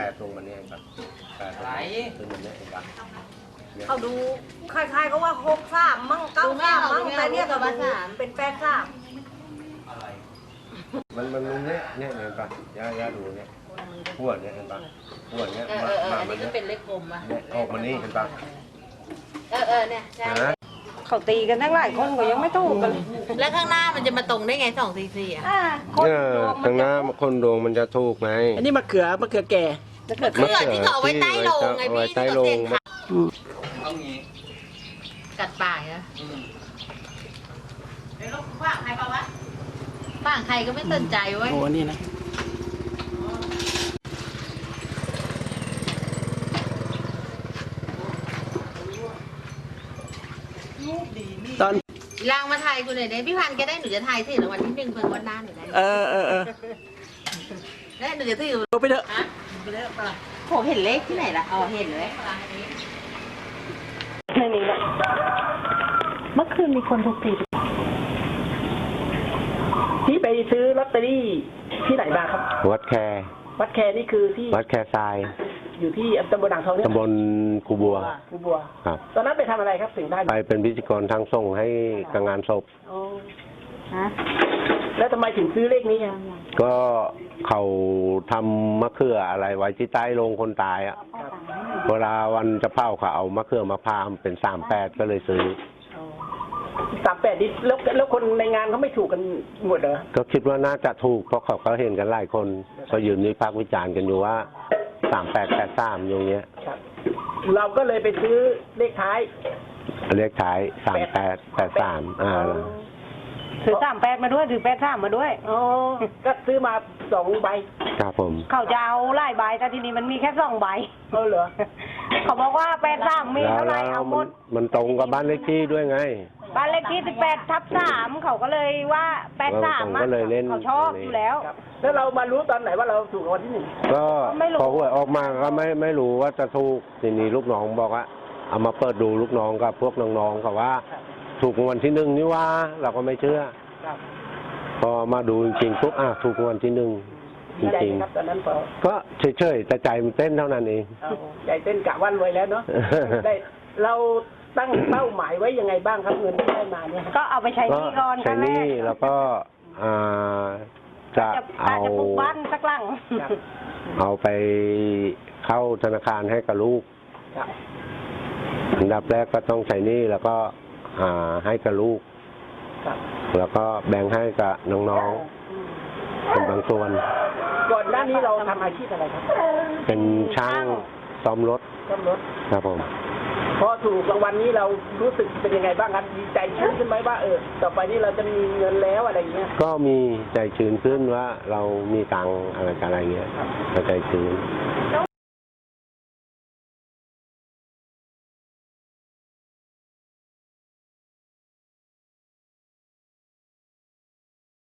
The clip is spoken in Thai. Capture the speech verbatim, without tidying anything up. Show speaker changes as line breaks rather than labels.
ดตรงมันนี่ครับแปดตรงคือมันเนี่ยเห็นปะ
เขาดูคล้ายๆก็ว่าหกสามมั่งเก้าสามมั่งแต่เนี่ยก็ดูเป็นแปดสาม
มันมันเนี่ยเนี่ยเห็นปะย่าย่าดูเนี่ยขวดเนี่ยเห็นปะขวดเนี่ย
เออเอออันนี้ก็เป็นเลขกลมอ่ะ
ออกมานี่เห็นปะ
เออเออเนี่ยใช่
เขาตีกันทั้งหลายคนก็ยังไม่ถูกกัน
แล้วข้างหน้ามันจะมาตรงได้ไงสองสี่สี่อ่ะ
เออข้างหน้าคนดวงมันจะถูกไหม
อันนี้มะเขือมะเขือแก่
มะเขือที่เขาเอาไว้ใต้โลงไงพี่ที่เขาเสียงขากัดปากนะฝ่างใครเปล่าวะฝ่างใครก็ไม่สนใจเว้ย
โอ้นี่นะตอน
ลางมาถ่ายกูหน่อยได้พี่พันธุ์แกได้หนูจะถ่ายสิรางวัลที่หนึ่งเพิ่งวันหน้าหนูได้
เออเออเออ
ได้หนูจะถือ
ลงไปเถอะ
ฮะไปเลิกปะล่ะผมเห็นเลขที่ไหนล่ะอ๋อเห็นเลย
ไม่มีละเมื่อคืนมีคนถูกตี
ที่ไปซื้อลอตเตอรี่ที่ไหนมาครับ
วัดแค
วัดแคนี่คือที่
วัดแคทราย
อยู่ที่ตำบลอ่างทองเนี่ย
ตำบลกูบัว
กูบัว
ครับ
ตอนนั้นไปทำอะไรครับถึงได้
ไปเป็นพิธีกรทางส่งให้กับงานศพ
อ๋อฮะแล้วทำไมถึงซื้อเลขนี้อ่ะ
ก็เขาทำมะเขืออะไรไว้ที่ใต้โรงคนตายอ่ะเวลาวันจะเผาเขาเอามะเขือมาพามเป็นสามแปดก็เลยซื้อ
สามแปดนี่แล้วแล้วคนในงานเขาไม่ถูกกันหมดเหรอ
ก็คิดว่าน่าจะถูกเพราะเขาก็เห็นกันหลายคนก็ยืนวิพากษ์วิจารณ์กันอยู่ว่าสามแปดแปดสามอย่างเงี้ย
ครับ เราก็เลยไปซื้อเลขท้าย
เลขท้ายสามแปดแปดสามอ่า
ถือสามแปดมาด้วยถือแปดสามมาด้วย
อ๋อก็ซื้อมาสองใบ
ครับผม
เขาจะเอาไล่ใบแต่ทีนี้มันมีแค่สองใบ
เออเหรอ
เขาบอกว่าแปดสามมี
แล้ว
เท่าไหร่
แล้ว
เอาหม
มัน
ด
มันตรงกับบ้านเลขที่ด้วยไง
บ้านเลขที่สิบแปดทับสามเขาก็เลยว่าแปดสาม
ก็เลยเล่น
เขาชอบอยู่แล้ว
ครับ แล้วเรามารู้ตอนไหนว่าเราถูกรางวัลที่หนึ่ง
ก็
ไม่รู้
พอหวยออกมาก็ไม่ไม่รู้ว่าจะถูกทีนี้ลูกน้องบอกว่าเอามาเปิดดูลูกน้องกับพวกน้องๆเขาว่า ถูกรางวัลที่หนึ่งนี่ว่าเราก็ไม่เชื่อ
ครับ
พอมาดูจริงๆปุ๊บอ่ะถูกรางวัลที่หนึ่งจ
ดีใจ
ริง
ไหมครับตอนนั้นพอ
ๆก็เฉยๆแต่ใจมันเต้นเท่านั้นเอง
เอาใจเต้นกะวันรวยแล้วเนาะ ได้เราตั้งเป้าหมายไว้ยังไงบ้างครับเงินที่ได้มาเนี่ย
ก็เอาไปใช้ห
ก็
นี้ก่อน
ใช้หนี้แล้วก็อ่าจะ
จะ
เอา
จะปลูกบ้านสักหลัง
ครับ
เอาไปเข้าธนาคารให้กับลูก
ครับ
อันดับแรกก็ต้องใช้หนี้แล้วก็อ่าให้กับลูก
ครับ
แล้วก็แบ่งให้กับน้องๆเป็นบางส่วน
ก่อนหน้านี้เราทำอาชีพอะไรครับ
เป็นช่างซ่อมรถ
ซ่อมรถ
ครับผม
พอถูกรางวัลนี้เรารู้สึกเป็นยังไงบ้างครับดีใจชื้นขึ้นไหมว่าเออต่อไปนี้เราจะมีเงินแล้วอะไรอย่างเงี้ย
ก็มีใจชื้นขึ้นว่าเรามีตังค์อะไรกันอะไรเงี้ยก็ใจชื้น